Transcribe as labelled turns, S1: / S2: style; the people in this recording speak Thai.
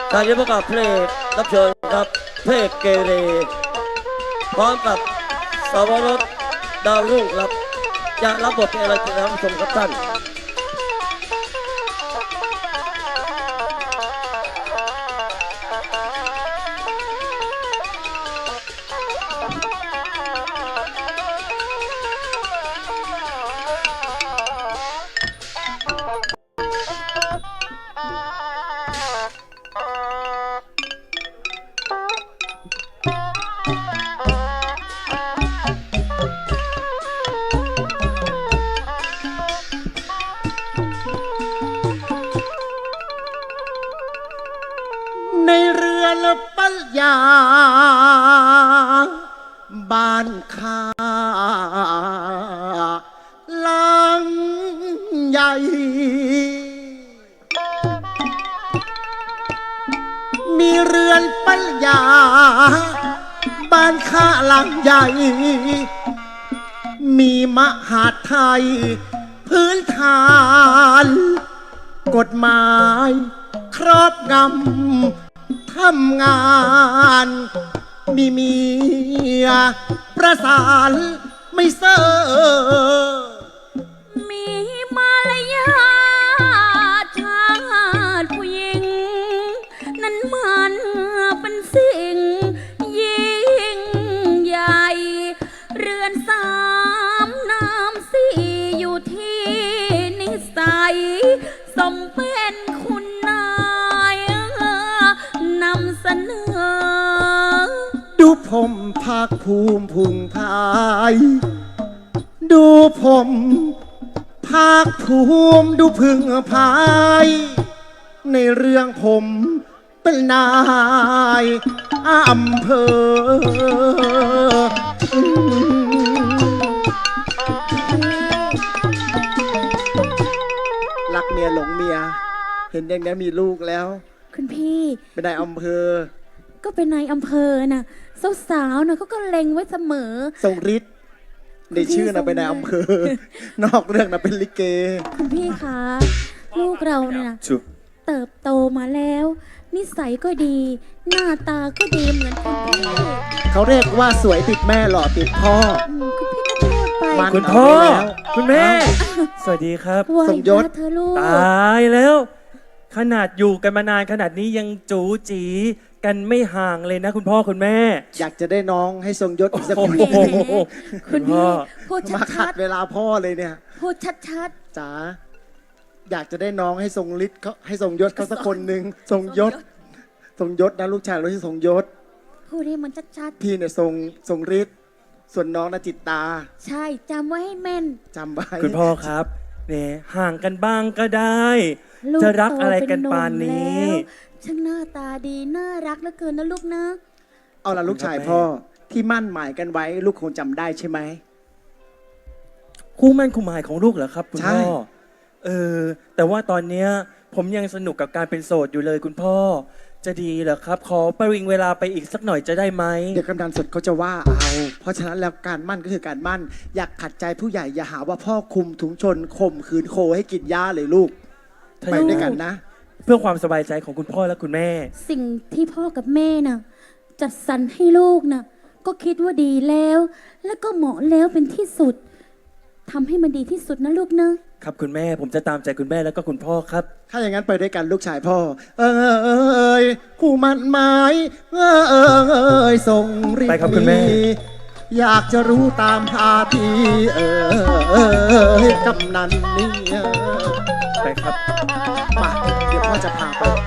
S1: การที่ประกาศเพลงรับเชิญครับเพลงเกเรพร้อมกับสาวรสดาวรุ่งครับจะรับบทเป็นอะไรจะทำชมครับท่าน
S2: ในเรือนปัญญาบ้านข้าหลังใหญ่มีเรือนปัญญาบ้านข้าหลังใหญ่มีมหาดไทยพื้นฐานกฎหมายครอบงำทำงานมีเมียประสานไม่เซ่อ
S3: มีมารยาทชาติผู้หญิงนั้นมันเป็นสิ่งยิ่งใหญ่เรือนสามน้ำสี่อยู่ที่นิสัยสมเป็นคุณนายนำเสนอ
S2: ดูผมภาคภูมิพุงพายดูผมภาคภูมิดูพึงพายในเรื่องผมเป็นนายอำเภอรักเมียหลงเมียเห็นอย่างนี้มีลูกแล้ว
S3: คุณพี่
S2: เป็นนายอำเภอ
S3: ก็เป็นนายอำเภอน่ะสาวๆน่ะเขาก็เล็งไว้เสมอ
S2: ทรงฤทธิ์ในชื่อน่ะเป็นนายอำเภอนอกเรื่องน่ะเป็นลิเก
S3: คุณพี่คะลูกเราเนี่ยนะเติบโตมาแล้วนิสัยก็ดีหน้าตาก็ดีเหมือนคุณพี่
S2: เขาเรียกว่าสวยติดแม่หล่อติดพ่อ
S3: คุณพี่ก็พูดไป
S4: คุณพ่อคุณแม่สวัสดีครับ
S3: สมยศเธอลูก
S4: ตายแล้วขนาดอยู่กันมานานขนาดนี้ยังจู๋จีกันไม่ห่างเลยนะคุณพ่อคุณแม่
S2: อยากจะได้น้องให้ทรงยศอีกสักคน
S3: คุณพ่อพูด
S2: มาขั
S3: ชั
S2: ดเวลาพ่อเลยเนี่ย
S3: พูดชัด
S2: ๆจ๋าอยากจะได้น้องให้ทรงฤทธิ์เขาให้ทรงยศเขาสักคนหนึ่งทรงยศนะลูกชายเราที่ทรงยศ
S3: พูดให้มันชัด
S2: ๆพี่เนี่ยทรงฤทธิ์ส่วนน้องนะจิตตา
S3: ใช่จำไว้ให้แม่น
S2: จำไว้
S4: คุณพ่อครับเนี่ยห่างกันบ้างก็ได้จะรักอะไรกันปานนี้
S3: ช่างหน้าตาดีน่ารักเหลือเกินนะลูกนะ
S2: เอาล่ะลูกชายพ่อที่มั่นหมายกันไว้ลูกคงจำได้ใช่ไหม
S4: คู่มั่นคู่หมายของลูกเหรอครับคุณพ่อแต่ว่าตอนเนี้ยผมยังสนุกกับการเป็นโสดอยู่เลยคุณพ่อจะดีเหรอครับขอประวิงเวลาไปอีกสักหน่อยจะได้ไหม
S2: เดี๋ยวกำนันสดเขาจะว่าเอาเพราะฉะนั้นแล้วการมั่นก็คือการมั่นอยากขัดใจผู้ใหญ่อย่าหาว่าพ่อคุมถุงชนข่มขืนโคให้กินหญ้าเลยลูกไปด้วยกันนะ
S4: เพื่อความสบายใจของคุณพ่อและคุณแม่
S3: สิ่งที่พ่อกับแม่น่ะจัดสรรให้ลูกน่ะก็คิดว่าดีแล้วแล้วก็เหมาะแล้วเป็นที่สุดทำให้มันดีที่สุดนะลูกนะครับ
S4: คุณแม่ผมจะตามใจคุณแม่แล้วก็คุณพ่อครับ
S2: ถ้าอย่างนั้นไปด้วยกันลูกชายพ่อคู่มันไม้ส่งรีบ
S4: ไปครับคุณแม่
S2: อยากจะรู้ตามพาทีกำนันนี่
S4: ไปครับ
S2: มาเดี๋ยวพ่อจะพาไป